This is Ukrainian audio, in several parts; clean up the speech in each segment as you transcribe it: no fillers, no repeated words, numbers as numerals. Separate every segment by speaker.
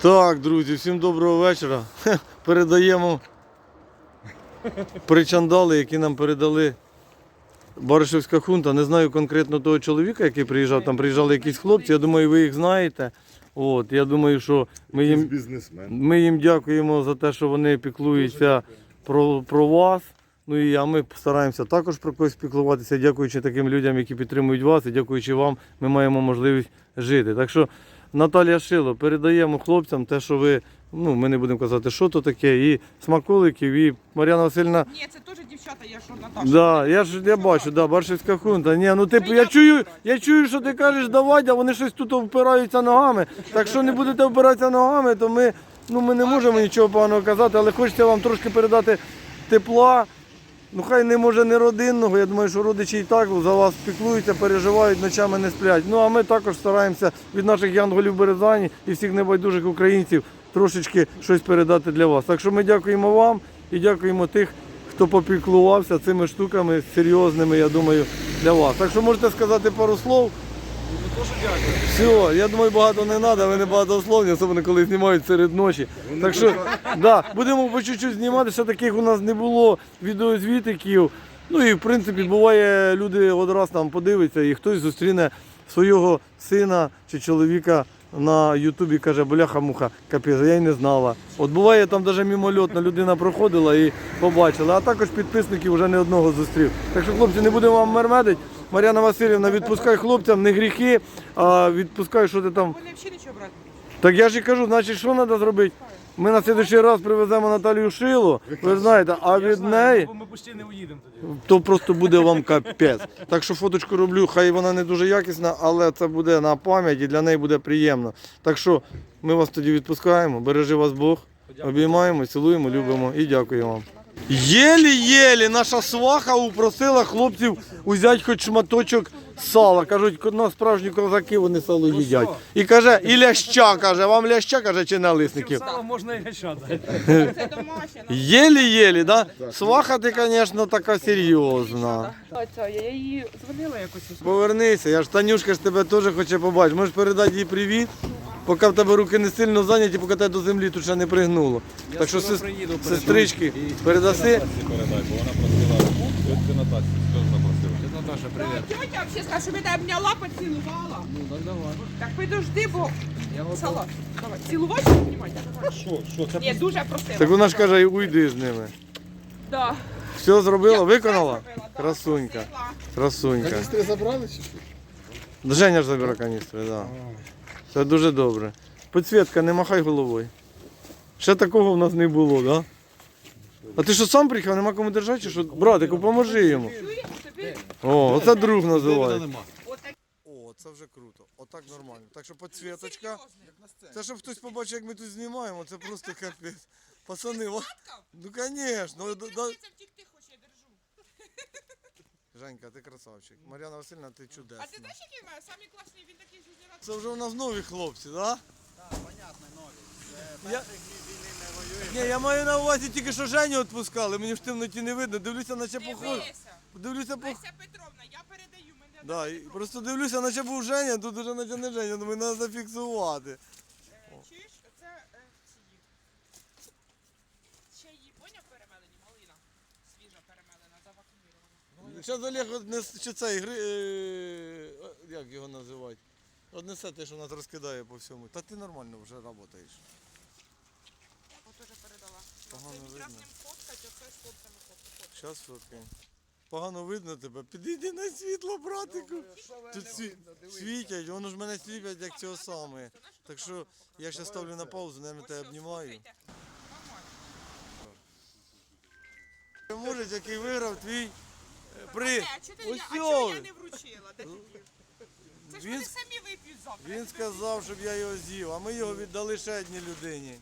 Speaker 1: Так, друзі, всім доброго вечора. Передаємо причандали, які нам передали Баришівська хунта. Не знаю конкретно того чоловіка, який приїжджав, там приїжджали якісь хлопці, я думаю, ви їх знаєте. От, я думаю, що ми їм дякуємо за те, що вони піклуються про вас. Ну а ми стараємося також про когось піклуватися, дякуючи таким людям, які підтримують вас, і дякуючи вам, ми маємо можливість жити. Так що, Наталія Шило, передаємо хлопцям те, що ви, ми не будемо казати, що то таке, і смаколиків, і Мар'яна Васильівна.
Speaker 2: Ні, це теж дівчата, я що Наташа.
Speaker 1: Да, я бачу, да, Баришівська хунта. Ні, ну я чую, що ти кажеш, давай, а вони щось тут впираються ногами. Так що не будете впиратися ногами, то ми не можемо нічого поганого казати, але хочеться вам трошки передати тепла. Ну хай не може не родинного, я думаю, що родичі і так за вас піклуються, переживають, ночами не сплять. Ну а ми також стараємося від наших янголів Березані і всіх небайдужих українців трошечки щось передати для вас. Так що ми дякуємо вам і дякуємо тих, хто попіклувався цими штуками серйозними, я думаю, для вас. Так що можете сказати пару слов. Все, я думаю, багато не треба, ви не багатословні, особливо коли знімають серед ночі. Так що, будемо по чуть-чуть знімати, ще таких у нас не було відеозвітиків. Ну і в принципі буває, люди одразу там подивляться і хтось зустріне свого сина чи чоловіка на ютубі, каже, бляха-муха, капець, я й не знала. От буває, там навіть мимольотна людина проходила і побачила, а також підписників вже не одного зустрів. Так що, хлопці, не будемо вам мермедити. Мар'яна Васильівна, відпускай хлопцям, не гріхи, а відпускай, що ти там.
Speaker 2: Вони взагалі нічого брати.
Speaker 1: Так я ж і кажу, значить, що треба зробити? Ми на наступний раз привеземо Наталію Шило, ви знаєте, а від неї,
Speaker 3: Ми почти не уїдемо тоді.
Speaker 1: то просто буде вам капець. Так що фоточку роблю, хай вона не дуже якісна, але це буде на пам'ять і для неї буде приємно. Так що ми вас тоді відпускаємо, бережи вас Бог, обіймаємо, цілуємо, любимо і дякуємо вам. Єлі-єлі наша сваха упросила хлопців взяти хоч шматочок сала. Кажуть, на справжні козаки вони сало їдять. І каже, і ляща, каже, вам ляща, каже, чи налисників?
Speaker 3: Сало можна і гача дати.
Speaker 2: Це домашнє.
Speaker 1: Єлі-єлі, да? Сваха ти, звісно, така серйозна.
Speaker 2: Я її дзвонила якось.
Speaker 1: Повернися, я ж Танюшка ж тебе теж хоче побачити. Можеш передати їй привіт, поки в тебе руки не сильно зайняті, поки тебе до землі тут ще не пригнуло. Так що сестрички, передаси.
Speaker 4: Передай, бо вона просила тітки Натасі, що запросила.
Speaker 3: Наташа, привіт.
Speaker 2: Тетя взагалі сказала, що мене обняла, поцілувала.
Speaker 3: Ну, так давай.
Speaker 2: Так підожди, бо
Speaker 3: Я
Speaker 2: салат. Давай, цілувати чи знімати?
Speaker 4: Що, це
Speaker 2: Ні, дуже просила.
Speaker 1: Так вона ж каже, уйди з ними.
Speaker 2: Да.
Speaker 1: Все зробила,
Speaker 2: Я
Speaker 1: виконала?
Speaker 2: все зробила, да,
Speaker 1: Красунька.
Speaker 2: просила.
Speaker 1: Красунька.
Speaker 5: Каністри забрали чи що?
Speaker 1: Женя ж забере каністри, так. Да. Це дуже добре. Підсвітка, не махай головою. Ще такого в нас не було, так? Да? А ти що сам приїхав, нема кому держати, чи що? Братику, поможи йому.
Speaker 2: Чуєш, тобі?
Speaker 1: О, оце друг називається.
Speaker 2: Отак.
Speaker 1: О, це вже круто. Отак нормально. Так що підсвіточка. Це щоб хтось побачив, як ми тут знімаємо, це просто капець. Пацани, ну звісно.
Speaker 2: Це втікти хоче, я держу.
Speaker 1: Женька, ти красавчик. Мар'яна Васильівна, ти
Speaker 2: А
Speaker 1: чудесна.
Speaker 2: ти знаєш, який в мене? Самий класний, він такий життєрадий.
Speaker 1: Це вже у нас нові хлопці, так? Да?
Speaker 5: Так, понятно, нові.
Speaker 1: Я-
Speaker 5: Перших війни не воює.
Speaker 1: Ні, я маю на увазі тільки, що Женю відпускали, мені в темноті не видно. Дивлюся, наче похоже. Дивлюся,
Speaker 2: Леся Петровна, я передаю мене.
Speaker 1: Да, і просто дивлюся, наче був Женя, тут уже наче не Женя, думаю, треба зафіксувати.
Speaker 2: Чуєш, це ще її, поняв, перемелені, малина. Свіжа перемелена, завакумірована.
Speaker 1: Зараз Олег однесе, чи цей, як його називають? Однесе те, що нас розкидає по всьому. Та ти нормально вже працюєш.
Speaker 2: Я його теж передала.
Speaker 1: Погано
Speaker 2: Це
Speaker 1: видно.
Speaker 2: з ним фоткать, оце з хлопцями фоткать.
Speaker 1: Зараз фоткаємо. Погано видно тебе. Підійди на світло, братику. Тут світять, воно ж мене сліпять, як цього саме. Так що я ще ставлю на паузу, наверное, тебе обнімаю.
Speaker 2: Слухайте,
Speaker 1: Може, який виграв твій приз.
Speaker 2: А чого я не вручила? Де ти дів? Це ж
Speaker 1: Він-
Speaker 2: вони самі вип'ють завтра.
Speaker 1: Він сказав, щоб я його з'їв, а ми його віддали ще одній людині.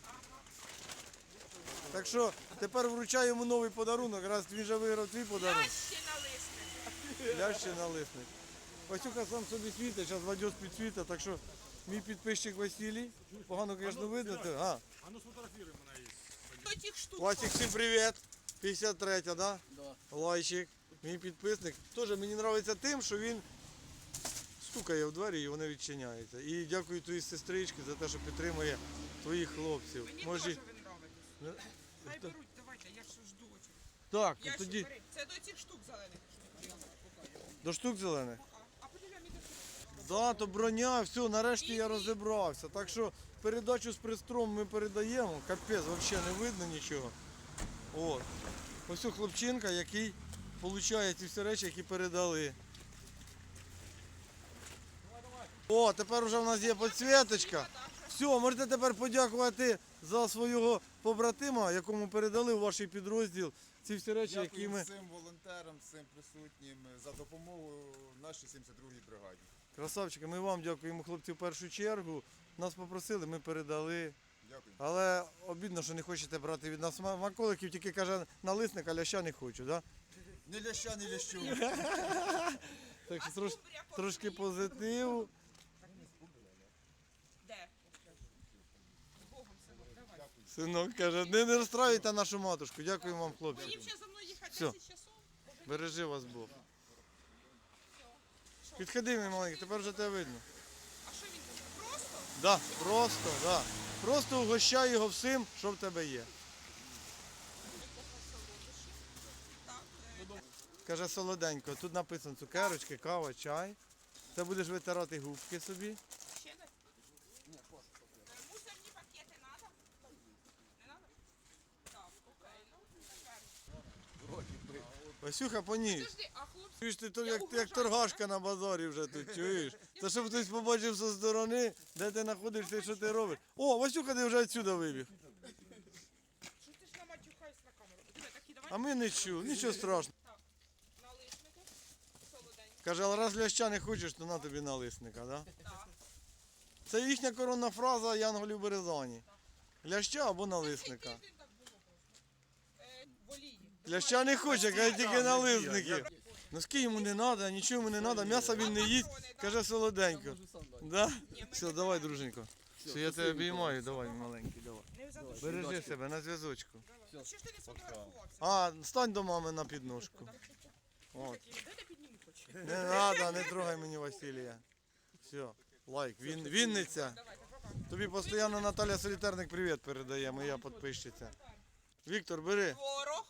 Speaker 1: Так що тепер вручаю йому новий подарунок, раз він вже виграв твій подарунок.
Speaker 2: Ще налисне.
Speaker 1: Я ще налисник. Васюха сам собі світить, зараз Вадьос підсвітить, так що мій підписчик Василій, погано, звісно, видно. А,
Speaker 2: До тих штук.
Speaker 1: Васик, всім привіт. 53-я, да? Лайчик, мій підписник. Теж мені подобається тим, що він стукає в двері і вони відчиняються. І дякую твоїй сестричці за те, що підтримує твоїх хлопців.
Speaker 2: Мені
Speaker 1: Може,
Speaker 2: теж ви нравитесь. Хай беруть, давайте, я ж жду очі.
Speaker 1: так,
Speaker 2: Я
Speaker 1: тоді
Speaker 2: ще бери. Це до цих штук зелених.
Speaker 1: до штук зелених.
Speaker 2: А потім я мені
Speaker 1: Да, то броня, все, нарешті я розібрався. Так що передачу з пристром ми передаємо. Капець, взагалі не видно нічого. От. Ось у хлопчинка, який получає ці всі речі, які передали. О, тепер вже в нас є підсвіточка. Все, можете тепер подякувати за свого побратима, якому передали у ваш підрозділ ці всі речі, які
Speaker 5: Дякую
Speaker 1: ми...
Speaker 5: всім волонтерам, всім присутнім за допомогу нашій 72-й бригаді.
Speaker 1: Красавчики, ми вам дякуємо, хлопці, в першу чергу. Нас попросили, ми передали.
Speaker 5: Дякую.
Speaker 1: Але обідно, що не хочете брати від нас маколиків, тільки каже налисник, а ляща не хочу, да?
Speaker 5: Ні ляща, ні лящу.
Speaker 1: Так що трошки позитиву.
Speaker 2: Де? З Богом, синок, давай.
Speaker 1: Синок каже, не розстраюйте нашу матушку. Дякуємо вам, хлопці.
Speaker 2: Їм ще за мною їхати
Speaker 1: Всьо.
Speaker 2: 10 часов.
Speaker 1: Бережи вас Бог. Підходи, мій маленький, тепер вже тебе видно.
Speaker 2: А що він каже? Просто?
Speaker 1: Да, просто, да. Просто угощай його всім, що в тебе є.
Speaker 2: Так.
Speaker 1: Каже солоденько, тут написано цукерочки, кава, чай. Це будеш витирати губки собі.
Speaker 2: Ще десь? Мусорні пакети надо? Не надо? Так, окей, ну, тепер.
Speaker 1: Васюха, поніс.
Speaker 2: Подожди, а хлопці?
Speaker 1: Чуєш, ти то
Speaker 2: Я
Speaker 1: як
Speaker 2: угрожаю,
Speaker 1: торгашка на базарі вже тут, чуєш? Це щоб хтось побачив зі сторони, де ти знаходишся і що ти робиш. О, Васюха, ти вже відсюди вибіг.
Speaker 2: Що ти ж наматюхаєш на камеру? Диви, такі давай.
Speaker 1: А ми не чув, нічого страшного.
Speaker 2: Налисники. Солоденькі.
Speaker 1: Каже, але раз ляща не хочеш, то на тобі налисника, да?
Speaker 2: Так.
Speaker 1: Це їхня коронна фраза Янголів Березані. Ляща або
Speaker 2: Цей
Speaker 1: налисника.
Speaker 2: тиждень так було просто. В олії.
Speaker 1: Ляща не хоче, каже, тільки налисники. Носки йому не треба, нічого йому не треба, м'яса він не їсть, каже солоденько. Да? Все, давай, друженько. Все, я тебе обіймаю, давай, маленький, давай.
Speaker 2: Не задуши.
Speaker 1: Бережи себе на зв'язочку.
Speaker 2: Що ж ти не сфотографувався?
Speaker 1: А, стань до мами на підножку. От.
Speaker 2: Де ти піднімі хочеш?
Speaker 1: Не треба, не трогай мені Василія. Все, лайк. Вінниця.
Speaker 2: Давайте, пока.
Speaker 1: Тобі постійно Наталя Солітерник привіт передає, моя підписчиця. Віктор, бери.
Speaker 2: Творог.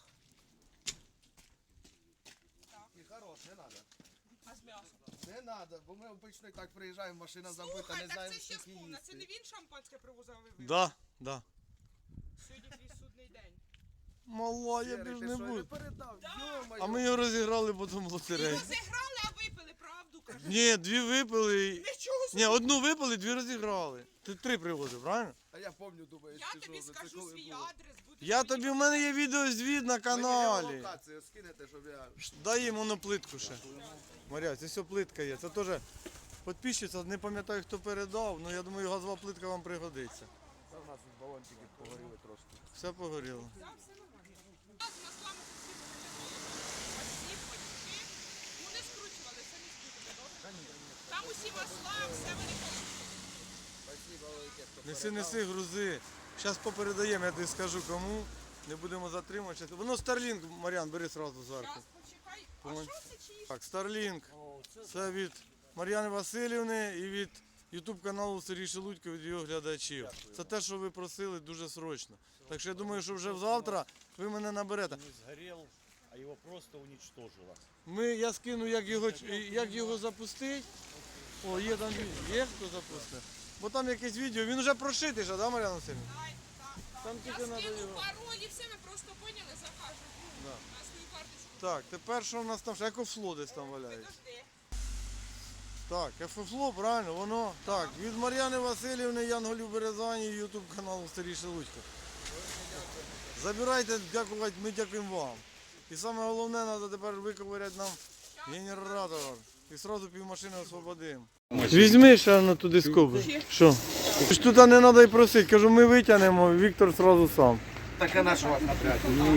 Speaker 5: І хорош, не треба.
Speaker 2: А з м'ясом?
Speaker 5: Не треба, бо ми обично і так приїжджаємо, машина забита,
Speaker 2: Слухай,
Speaker 5: не
Speaker 2: так
Speaker 5: знаємо,
Speaker 2: це ще
Speaker 5: скільки
Speaker 2: вспомна. Це не
Speaker 5: їсти.
Speaker 2: він шампанське привозив, а ви випили?
Speaker 1: Да, да.
Speaker 2: Сьогодні твій судний день.
Speaker 1: Мала, я
Speaker 5: Сірий,
Speaker 1: більш
Speaker 5: ти
Speaker 1: не
Speaker 5: що,
Speaker 1: буду.
Speaker 5: передав?
Speaker 1: А ми його розіграли потім в лотереї.
Speaker 2: Розіграли, а випили, правду кажу.
Speaker 1: Ні, дві випили.
Speaker 2: Нічого собі.
Speaker 1: Ні, одну випили, дві розіграли. Ти три привозив, правильно?
Speaker 5: А я пам'ятаю, думаю,
Speaker 2: Я
Speaker 5: що
Speaker 2: тобі
Speaker 5: це
Speaker 2: скажу
Speaker 5: коли
Speaker 2: свій
Speaker 5: було.
Speaker 2: адрес. Будеш
Speaker 1: Я тобі, в мене є відеозвіт на каналі.
Speaker 5: Мені локацію скинете, щоб я...
Speaker 1: Дай їм воно плитку ще. Маря, це все плитка є. Це теж підписчиця, не пам'ятаю, хто передав, але я думаю, газова плитка вам пригодиться.
Speaker 5: Та в нас тут балончики погоріли трошки.
Speaker 1: Все погоріло.
Speaker 2: Так, все нормально. У нас на славу всі потічки. Ну не скручували, самі скрутили, добре? Там усі масла, все вони
Speaker 5: Спасибо велике, хто
Speaker 1: Неси, неси, грузи. Зараз попередаємо, я тобі скажу кому. Не будемо затримувати. Воно Starlink, Мар'ян, бери одразу зверху.
Speaker 2: Зараз почекай. А
Speaker 1: Помон-
Speaker 2: що це чиї?
Speaker 1: Так, Starlink. Це від Мар'яни Васильівни і від YouTube каналу Сергій Шелудько від його глядачів. Це те, що ви просили дуже срочно. Так що я думаю, що вже завтра ви мене наберете.
Speaker 6: Не сгорел, а его просто уничтожило.
Speaker 1: Я скину, як його запустити. О, є там відео. Є хто запустив? Бо там якесь відео, він вже прошитий, же, да, Мар'яна Васильівна?
Speaker 2: Дай,
Speaker 1: Там
Speaker 2: Я
Speaker 1: тільки треба
Speaker 2: скину
Speaker 1: його.
Speaker 2: паролі, все ми просто поняли, закажемо.
Speaker 1: Да.
Speaker 2: На свою карточку.
Speaker 1: Так, тепер що в нас там? Ще екофло десь там валяється.
Speaker 2: Підожди.
Speaker 1: Так, екофло, правильно, воно. Так, від Мар'яни Васильівни, Янголів Березані, Ютуб каналу Сергій Шелудько. Забирайте, дякувати, ми дякуємо вам. І саме головне, треба тепер виковиряти нам генератор. І одразу півмашини освободимо. Візьми ще на туди скоби. Що? Ж тут не треба й просити, кажу, ми витягнемо, Віктор одразу сам.
Speaker 5: Так а наш вас напряг.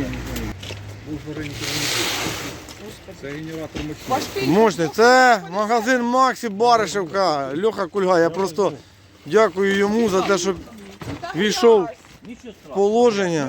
Speaker 4: Це генератор мощний.
Speaker 1: Мощний. Це магазин Максі Баришевка, Льоха Кульга. Я просто дякую йому за те, що війшов в положення.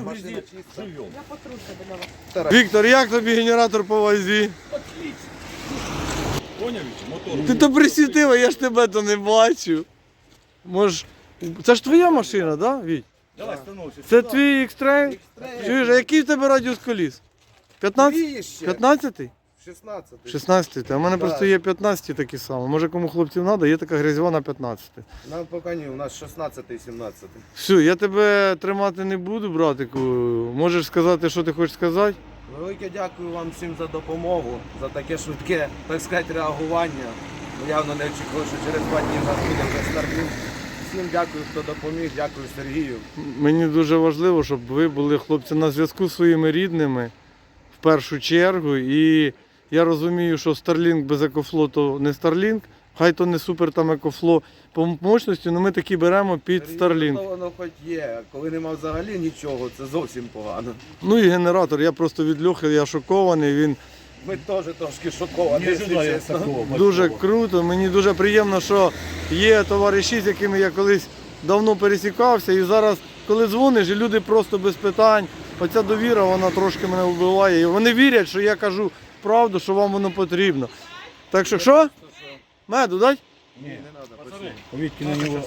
Speaker 6: Живем.
Speaker 1: Віктор, як тобі генератор по вазі?
Speaker 4: Поняв? Мотор.
Speaker 1: Ти то присвітив, а я ж тебе то не бачу. Може, це ж твоя машина, так, да, Віть?
Speaker 4: Давай, становся.
Speaker 1: Це твій X-Trail? Чуєш, а який в тебе радіус коліс? 15? 15-й?
Speaker 5: 16.
Speaker 1: 16-й. А в мене просто є 15-ті такі самі. Може кому хлопців треба, є така грязьова 15.
Speaker 5: Нам поки ні, у нас 16 17.
Speaker 1: Все, я тебе тримати не буду, братику. Можеш сказати, що ти хочеш сказати?
Speaker 7: Велике дякую вам всім за допомогу, за таке швидке, так сказати, реагування. Ми явно не очікували, що через 2 дні в нас буде вже Starlink. Всім дякую, хто допоміг, дякую Сергію.
Speaker 1: Мені дуже важливо, щоб ви були, хлопці, на зв'язку зі своїми рідними в першу чергу. І я розумію, що Starlink без екофло то не Starlink, хай то не супер там екофло по мощності, але ми такі беремо під Starlink.
Speaker 7: То воно хоч є, коли нема взагалі нічого, це зовсім погано.
Speaker 1: Ну і генератор, я просто від Льохи, я шокований, він
Speaker 7: Ми теж трошки шоковані, якщо чесно.
Speaker 1: дуже круто. Мені дуже приємно, що є товариші, з якими я колись давно пересікався. І зараз, коли дзвониш, і люди просто без питань, оця довіра, вона трошки мене вбиває. І вони вірять, що я кажу правду, що вам воно потрібно. Так що? Меду дать?
Speaker 4: Повідки на нього.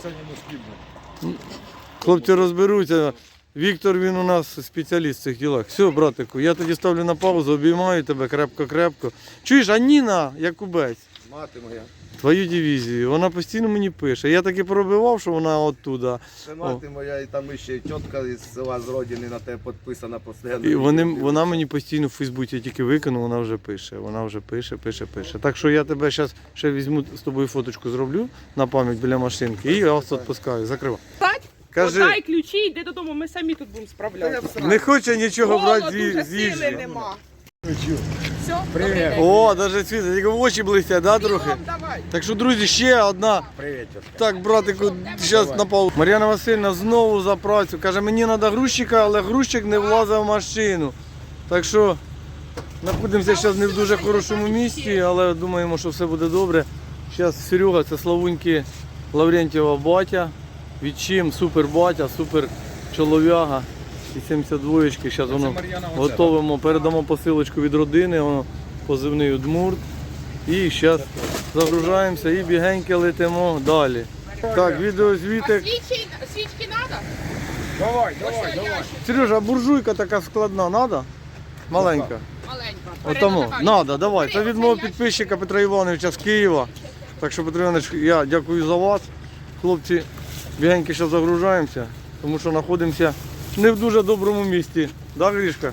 Speaker 1: Хлопці розберуться. Віктор, він у нас спеціаліст в цих ділах. Все, братику, я тоді ставлю на паузу, обіймаю тебе крепко-крепко. Чуєш, а Ніна Якубець,
Speaker 7: Мати моя,
Speaker 1: твою дивізію, вона постійно мені пише. Я таки пробивав, що вона оттуда.
Speaker 7: це мати моя, і там ще й тітка із села з родини на тебе підписана постійно.
Speaker 1: І вона мені постійно в Фейсбуці, я тільки викину, вона вже пише. Вона вже пише. Так що я тебе зараз ще візьму з тобою фоточку зроблю на пам'ять біля машинки і я вас відпускаю. Закривай. Кажи.
Speaker 2: Дай ключі, йди додому, ми самі тут будемо справлятися.
Speaker 1: Не хоче нічого брати
Speaker 2: Голод уже,
Speaker 1: з
Speaker 2: сили
Speaker 1: їжі.
Speaker 2: нема. Все, привіт.
Speaker 1: О, навіть світа, тільки в очі блистять, да, трохи?
Speaker 2: Давай.
Speaker 1: Так що, друзі, ще одна.
Speaker 7: Привіт, тітка.
Speaker 1: Так, братику, зараз на паузу. Мар'яна Васильівна знову за працю. Каже, мені треба грузчика, але грузчик не влазить в машину. Так що знаходимося зараз не в дуже хорошому місці, але думаємо, що все буде добре. Зараз Серега, це Славуньки Лаврентьєва батя. Відчим, супер батя, супер чолов'яга. І 72-ки. Зараз воно готовимо, передамо посилочку від родини, воно позивний Удмурт. І зараз загружаємося і бігеньки летимо далі. Так, відеозвіти.
Speaker 2: Свічки треба?
Speaker 7: Давай.
Speaker 1: Сережа, а буржуйка така складна, треба? Маленька.
Speaker 2: Маленька.
Speaker 1: Отому,
Speaker 2: Передавай.
Speaker 1: треба, давай. Це від мого підписчика Петра Івановича з Києва. Так що, Петро Іванович, я дякую за вас. Хлопці, бігеньки зараз загружаємося, тому що знаходимося не в дуже доброму місці. Да, Грішка?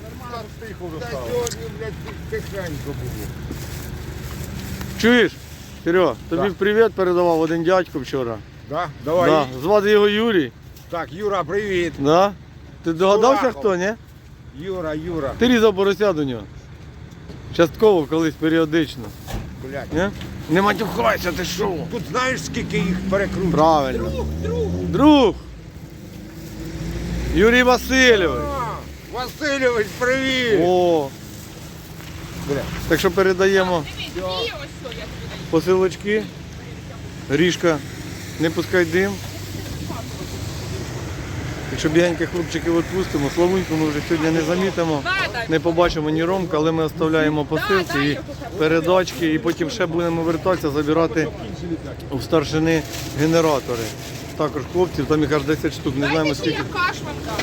Speaker 1: Чуєш? Серега, тобі привіт передавав один дядько вчора.
Speaker 5: Да? Давай.
Speaker 1: Да. Звати його Юрій.
Speaker 5: Так, Юра, привіт.
Speaker 1: Да? Ти догадався,
Speaker 5: Урахом.
Speaker 1: хто, ні?
Speaker 5: Юра.
Speaker 1: Ти різав порося до нього. Частково, колись, періодично.
Speaker 5: Блядь.
Speaker 1: Ні? Не матюхайся, ти що?
Speaker 5: Тут знаєш, скільки їх перекрутить?
Speaker 1: Правильно. Друг. Юрій Васильович.
Speaker 5: Васильович, привіт.
Speaker 1: О. Так що передаємо
Speaker 2: Дивись, і ось що я тобі даю.
Speaker 1: посилочки. Грішка, не пускай дим. Якщо бігенькі хлопчиків відпустимо, Славуньку ми вже сьогодні не замітимо, не побачимо ні Ромка, але ми оставляємо посилки і передачки, і потім ще будемо вертатися, забирати у старшини генератори. Також хлопців, там їх аж 10 штук, не знаємо
Speaker 2: Дайте ще
Speaker 1: скільки.
Speaker 2: я каш вам дам.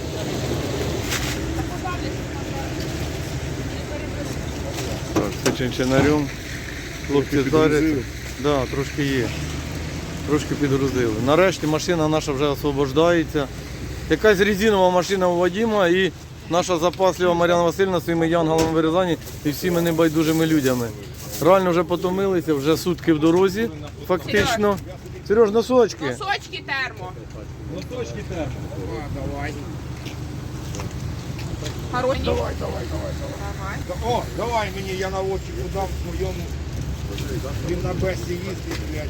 Speaker 1: Так, це чинчинарем. Хлопці зараз. Да, трошки є. Трошки підгрузили. Нарешті машина наша вже освобождається. Якась резинова машина у Вадима і наша запаслива Мар'яна Васильівна своїми янголами в Рязані і всіми небайдужими людьми. Реально вже потомилися, вже сутки в дорозі, фактично. Сереж, носочки.
Speaker 2: Носочки термо.
Speaker 3: Носочки термо.
Speaker 5: Давай.
Speaker 2: Хороші.
Speaker 5: Давай. О, давай мені, я на очі дам своєму. Він на бесі їздить, блядь.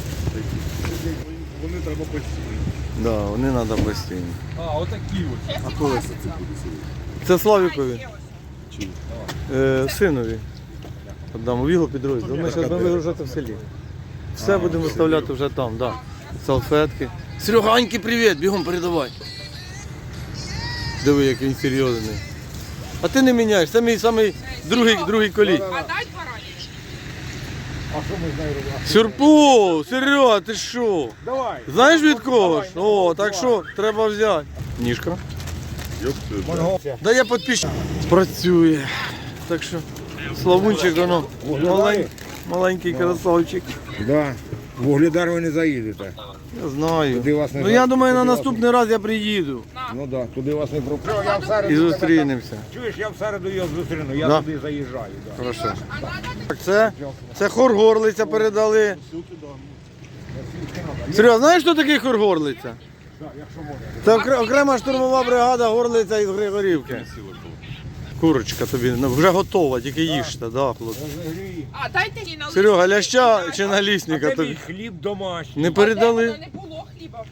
Speaker 5: Вони треба постійно.
Speaker 1: Да, вони треба постійно.
Speaker 4: А, отакі ось.
Speaker 2: А коли це?
Speaker 1: Це Славікові, синові. Отдам у його підрозділ. Ми зараз будемо вигружати в селі. Все будемо виставляти вже там, да. Салфетки. Сереганьки, привіт, бігом передавай. Диви, як він серйозний. А ти не міняєш, це мій самий другий колій.
Speaker 2: А дай баранів.
Speaker 5: А що ми з нею робимо?
Speaker 1: Сюрприз! Серега, ти що?
Speaker 5: Давай.
Speaker 1: Знаєш від кого ж? О, так що, треба взяти. Ніжка.
Speaker 5: Монгол.
Speaker 1: Да я підписчик. Працює. Так що, Славунчик, воно, маленький красавчик.
Speaker 5: Да. В Вугледар ви не заїдете.
Speaker 1: Я знаю.
Speaker 5: Туди вас не
Speaker 1: Ну я думаю, на
Speaker 5: туди вас
Speaker 1: наступний раз я приїду
Speaker 5: Ну так, туди вас не пропустять. Я в середу
Speaker 1: і зустрінемося.
Speaker 5: Чуєш, я в середу його зустріну, я
Speaker 1: Да.
Speaker 5: туди заїжджаю. Да.
Speaker 1: Хорошо. Так, це хор Горлиця передали. Серйозно, знаєш, хто такий хор Горлиця? Це окрема штурмова бригада Горлиця із Григорівки. Курочка тобі вже готова, тільки їжте, да, хлопці.
Speaker 2: А дайте мені на
Speaker 1: Серега, ляща чи налісника
Speaker 5: Це мій
Speaker 1: тобі
Speaker 5: хліб домашній.
Speaker 1: не передали?
Speaker 2: Не було хліба.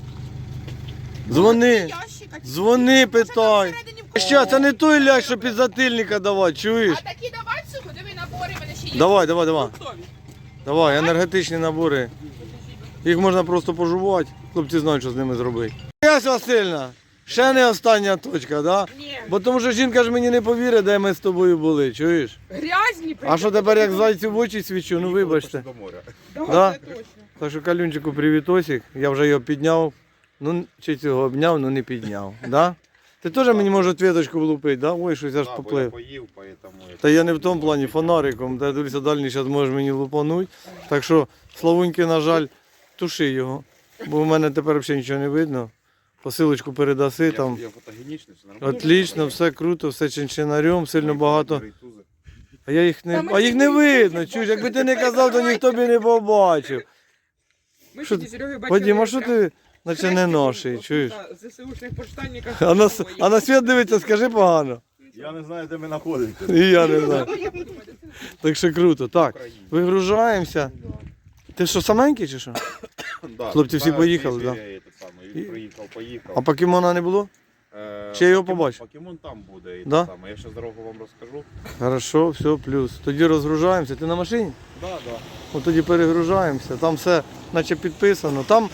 Speaker 1: Дзвони,
Speaker 2: Ящика.
Speaker 1: дзвони, питай. Ще, це не той лящ, що підзатильника давати, чуєш?
Speaker 2: А такі давай сухо, диви набори, в мене ще є.
Speaker 1: Давай.
Speaker 2: Фруктові.
Speaker 1: Давай, енергетичні набори. Їх можна просто пожувати. Хлопці знають, що з ними зробити. Ясь Васильівна, ще не остання точка, да?
Speaker 2: Ні.
Speaker 1: Бо тому що жінка ж мені не повірить, де ми з тобою були, чуєш?
Speaker 2: Грязні.
Speaker 1: А що тепер як зайцю в очі свічу, ну вибачте.
Speaker 4: До моря.
Speaker 1: Да?
Speaker 2: Це точно.
Speaker 1: Так що Калюнчику привітосик, я вже його підняв, ну чи цього обняв, ну не підняв, да? Ти теж мені може ответочку влупити, да? Ой, щось аж
Speaker 4: Да, бо я
Speaker 1: поплив.
Speaker 4: поїв, поэтому...
Speaker 1: Та я не в тому плані фонариком, та дивися, дальній зараз можеш мені лупануть. Так що, Славуньки, на жаль, туши його, бо в мене тепер взагалі нічого не видно. Посилочку передаси там.
Speaker 4: Я фотогенічний, все нормально.
Speaker 1: Отлично, все круто, все чинчинарем, сильно багато.
Speaker 4: Рейтузи.
Speaker 1: А я їх не видно, чуєш, якби ти не казав, то ніхто б і не побачив.
Speaker 2: Ми
Speaker 1: Що
Speaker 2: тоді Сереги бачили.
Speaker 1: Вадим, а що ти, наче не ноший, чуєш?
Speaker 2: ЗСУшних поштальників.
Speaker 1: А на світ дивиться, скажи погано.
Speaker 4: Я не знаю, де ми знаходимося.
Speaker 1: І я не знаю. Так що круто. Так, вигружаємося. Ти що, саменький чи що?
Speaker 4: Да.
Speaker 1: Хлопці всі
Speaker 4: Да,
Speaker 1: поїхали,
Speaker 4: Іберія
Speaker 1: да?
Speaker 4: є те саме. Він приїхав, поїхав.
Speaker 1: А покемона не було? Чи я його побачу?
Speaker 4: Покемон там буде і
Speaker 1: Да?
Speaker 4: те саме. Я ще дорогу вам розкажу.
Speaker 1: Хорошо, все, плюс. Тоді розгружаємося. Ти на машині?
Speaker 4: Да, да.
Speaker 1: От тоді перегружаємося. Там все наче підписано. Там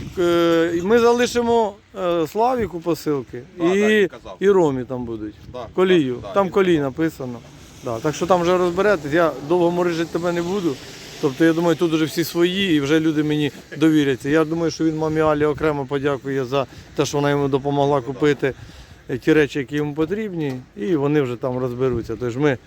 Speaker 1: ми залишимо Славіку посилки
Speaker 4: Да, да,
Speaker 1: і,
Speaker 4: він казав.
Speaker 1: і Ромі там будуть.
Speaker 4: Да,
Speaker 1: Колію.
Speaker 4: да,
Speaker 1: Там
Speaker 4: він
Speaker 1: колій
Speaker 4: казав.
Speaker 1: написано. Да. Так що там вже розберетесь. Я довго морижити тебе не буду. Тобто я думаю, тут вже всі свої і вже люди мені довіряться. Я думаю, що він мамі Алі окремо подякує за те, що вона йому допомогла купити ті речі, які йому потрібні, і вони вже там розберуться. Тож ми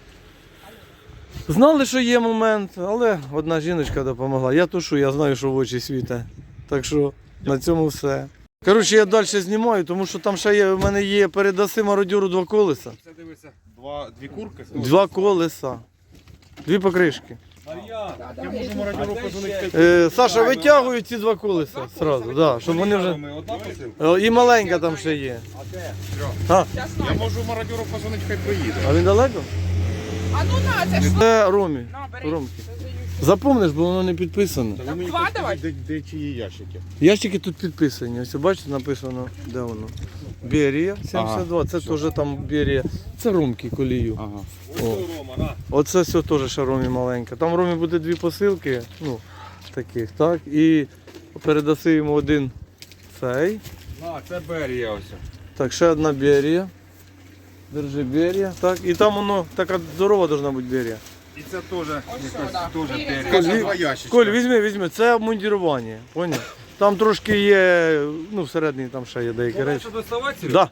Speaker 1: знали, що є момент, але одна жіночка допомогла. Я тушу, я знаю, що в очі світе. Так що на цьому все. Коротше, я далі знімаю, тому що там ще є, в мене є передаси мародьору 2 колеса.
Speaker 4: Це дивися. Дві курки.
Speaker 1: 2 колеса. 2 покришки.
Speaker 4: Я можу мародьору позвонити.
Speaker 1: Саша, витягують ці 2 колеса одразу, да, щоб вони вже.
Speaker 4: Одна посилка.
Speaker 1: І маленька там ще є. А,
Speaker 4: Я можу мародьору позвонити, хай приїде.
Speaker 1: а він далеко?
Speaker 2: А ну на, це ж.
Speaker 1: Це Ромі.
Speaker 2: На, бери.
Speaker 1: Ромки. Запомниш, бо воно не підписано.
Speaker 2: Так, два давай.
Speaker 4: Де чиї ящики?
Speaker 1: Ящики тут підписані. Ось бачите, написано, де воно. Берія 72, це теж там Берія. Це Ромки колію.
Speaker 4: Ага.
Speaker 1: О. Оце все теж ще Ромі маленька. Там Ромі буде 2 посилки, ну, таких, так. І передаси йому один цей.
Speaker 4: А, це Берія ось.
Speaker 1: Так, ще одна Берія. Держи Берія. Так, і там воно така здорова должна бути Берія.
Speaker 4: І це теж якась
Speaker 2: да.
Speaker 4: теж
Speaker 2: Берія.
Speaker 4: Берія.
Speaker 1: Коль,
Speaker 4: Це
Speaker 1: ві-
Speaker 4: два ящичка.
Speaker 1: Коль, візьми, це обмундірування, поняв? Там трошки є, ну всередині там ще є деякі речі. Да.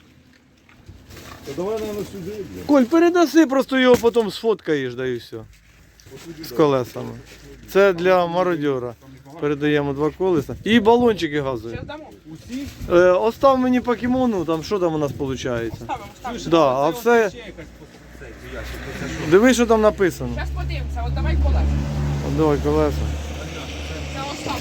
Speaker 4: Давай, наверное, сюди.
Speaker 1: Коль, передаси, просто його потім сфоткаєш, да і все. З колесами. Це для мародьора. Передаємо 2 колеса. І балончики газові.
Speaker 2: Зараз дамо.
Speaker 1: Остав мені покемону, там що там у нас виходить?
Speaker 2: Ставимо.
Speaker 1: Да, а все. Дивись, що там написано.
Speaker 2: Зараз подивимося, от давай колеса.
Speaker 1: От давай колеса.
Speaker 2: Це оставку.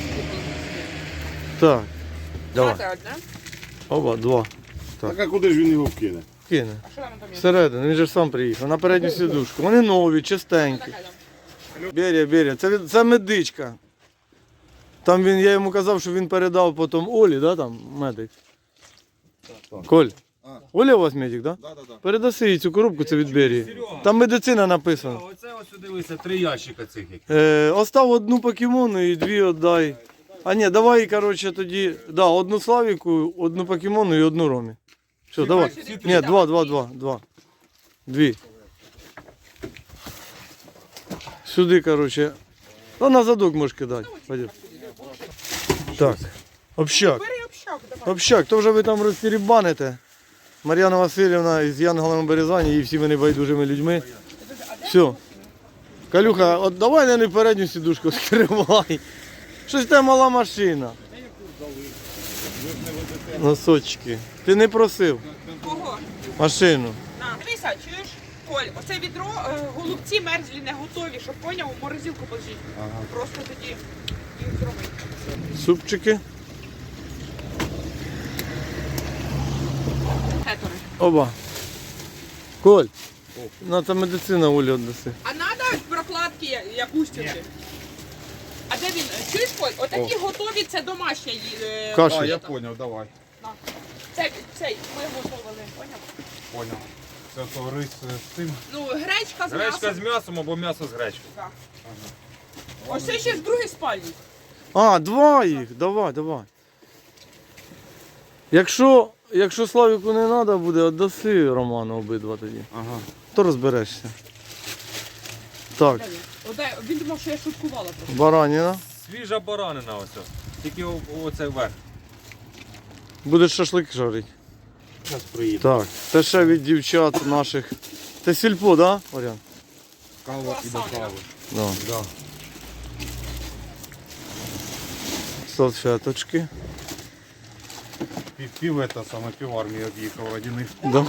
Speaker 1: Так. Давай.
Speaker 2: Давайте одне.
Speaker 1: Оба, 2.
Speaker 4: Так а куди ж він його вкине?
Speaker 1: Кине.
Speaker 2: А що там там є?
Speaker 1: Всередину, він же ж сам приїхав. На передню сідушку. Вони нові, чистенькі.
Speaker 2: Така там.
Speaker 1: Берія. Це медичка. Там я йому казав, що він передав потім Олі, да, там медик. Коль. Оля у вас медик, да?
Speaker 4: Да.
Speaker 1: Передаси їй цю коробку, це від Берії. Там медицина написана.
Speaker 6: Оце ось дивися, 3 ящика цих.
Speaker 1: Остав 1 покемону і 2 віддай. А ні, давай, коротше, тоді, да, 1 Славіку, 1 покемону і 1 Ромі. Все, давай. Ні, 2. 2. Сюди, коротше, Ну, на задок можеш кидати. Пойдем. Так, общак.
Speaker 2: Бери общак, давай.
Speaker 1: Общак, то вже ви там розтірібаните. Мар'яна Васильівна із Янголами Березані і всіми небайдужими людьми. Все. Калюха, от давай не передню сідушку скривай. Щось там мала машина. Носочки. Ти не просив
Speaker 2: Кого?
Speaker 1: машину.
Speaker 2: На, дивися, чуєш? Коль, оце відро, голубці мерзлі не готові, щоб поняв, у морозилку положити. Просто тоді їх зробити.
Speaker 1: Супчики.
Speaker 2: Гетори.
Speaker 1: Оба. Коль. На та медицина Олі віддаси.
Speaker 2: А треба прокладки як устюки? А де він? Чуєш, Коль? Отакі готові, це домашня
Speaker 1: Каша.
Speaker 5: А, я понял, давай.
Speaker 2: На. Цей ми готували, поняв?
Speaker 5: Понял. Це то рис з цим.
Speaker 2: Ну, гречка з
Speaker 6: Гречка
Speaker 2: м'ясом.
Speaker 6: з м'ясом або м'ясо з гречкою.
Speaker 2: Так. Ось це ще в другій спальні.
Speaker 1: А, два їх. Давай, давай. Якщо Славіку не треба буде, віддаси Роману обидва тоді.
Speaker 5: Ага.
Speaker 1: То розберешся. Так,
Speaker 2: Він думав, що я шуткувала просто.
Speaker 1: бараніна.
Speaker 6: Свіжа баранина ось. Тільки оце верх.
Speaker 1: Будеш шашлик жарити.
Speaker 5: Зараз приїду.
Speaker 1: Так, це ще від дівчат наших. Це сільпо, так, да, Оріан?
Speaker 5: Кава і до кави.
Speaker 1: Да.
Speaker 5: Да.
Speaker 1: Салфеточки.
Speaker 5: Пів это саме пів армії об'їхав родини.
Speaker 1: Да.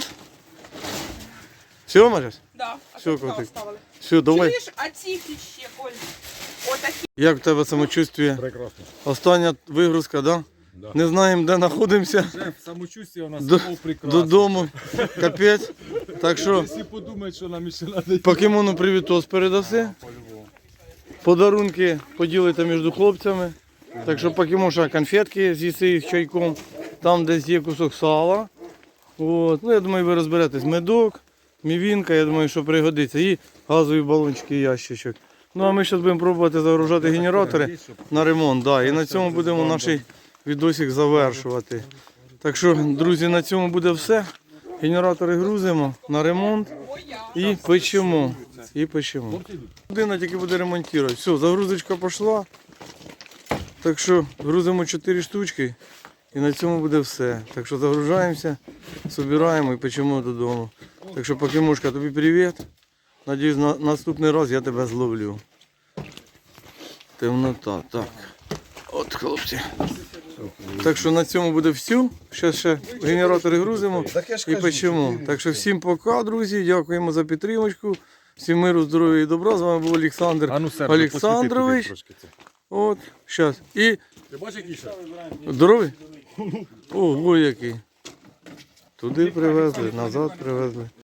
Speaker 1: Все, Марясь?
Speaker 2: Да, а
Speaker 1: Всё,
Speaker 2: тут
Speaker 1: котик.
Speaker 2: оставили.
Speaker 1: Все, давай.
Speaker 2: Чуєш, а ці ще, Коль? Отакі.
Speaker 1: Як в тебе самочувствие?
Speaker 5: Прекрасно.
Speaker 1: Остання вигрузка, да?
Speaker 5: Да.
Speaker 1: Не знаємо, де знаходимося.
Speaker 6: Шеф, самочуття у нас
Speaker 1: До-
Speaker 6: було прекрасно.
Speaker 1: Додому. Капець. Так що
Speaker 6: Всі подумають, що нам ще треба.
Speaker 1: покемону привітос передаси.
Speaker 5: По-любому.
Speaker 1: Подарунки поділите між хлопцями. Так що покемоша конфетки з'їси їх чайком. Там десь є кусок сала. От. Ну, я думаю, ви розберетесь. Медок, мівінка, я думаю, що пригодиться. І газові балончики, і ящичок. Ну а ми зараз будемо пробувати загружати генератори на ремонт. Да. І на цьому будемо наш відосик завершувати. Так що, друзі, на цьому буде все. Генератори грузимо на ремонт і печемо. І печемо. Людина тільки буде ремонтувати. Все, загрузочка пішла. Так що грузимо 4 штучки і на цьому буде все. Так що загружаємося, збираємо і печемо додому. Так що, Покемушка, тобі привіт. Надіюсь, на наступний раз я тебе зловлю. Темнота, так. От, хлопці. Так що на цьому буде все. Зараз ще генератори грузимо і печемо. Так що всім пока, друзі. Дякуємо за підтримку. Всім миру, здоров'я і добра. З вами був Олександр Олександрович. От, зараз. І
Speaker 6: Ти бачиш, який ще?
Speaker 1: здоровий? Ого, який. Туди привезли, назад привезли.